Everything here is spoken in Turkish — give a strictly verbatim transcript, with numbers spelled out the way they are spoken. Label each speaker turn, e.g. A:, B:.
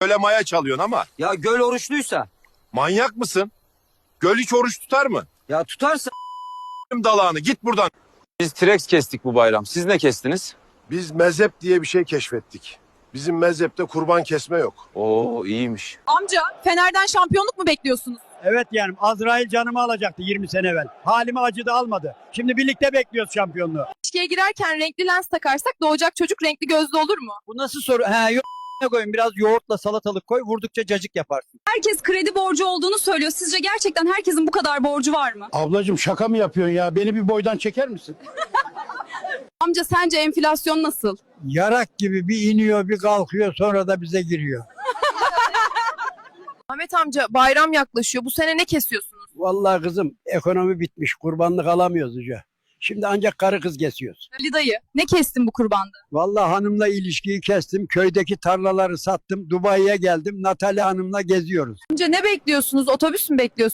A: Öyle maya çalıyorsun ama.
B: Ya göl oruçluysa?
A: Manyak mısın? Göl hiç oruç tutar mı?
B: Ya tutarsa?
A: Dalağını git buradan.
C: Biz T-Rex kestik bu bayram. Siz ne kestiniz?
D: Biz mezhep diye bir şey keşfettik. Bizim mezhepte kurban kesme yok.
C: Oo iyiymiş.
E: Amca Fener'den şampiyonluk mu bekliyorsunuz?
F: Evet yani Azrail canımı alacaktı yirmi sene evvel. Halime acıdı almadı. Şimdi birlikte bekliyoruz şampiyonluğu.
E: İlişkiye girerken renkli lens takarsak doğacak çocuk renkli gözlü olur mu?
F: Bu nasıl soru? He yok koyun biraz yoğurtla salatalık koy vurdukça cacık yaparsın.
G: Herkes kredi borcu olduğunu söylüyor. Sizce gerçekten herkesin bu kadar borcu var mı?
H: Ablacığım şaka mı yapıyorsun ya? Beni bir boydan çeker misin?
E: Amca sence enflasyon nasıl?
F: Yarak gibi bir iniyor bir kalkıyor sonra da bize giriyor.
E: Ahmet amca bayram yaklaşıyor. Bu sene ne kesiyorsunuz?
F: Vallahi kızım ekonomi bitmiş kurbanlık alamıyoruz hoca. Şimdi ancak karı kız kesiyoruz.
E: Ali dayı ne kestin bu kurbanda?
F: Vallahi hanımla ilişkiyi kestim. Köydeki tarlaları sattım. Dubai'ye geldim. Natalya Hanım'la geziyoruz.
E: Amca ne bekliyorsunuz? Otobüs mü bekliyorsunuz?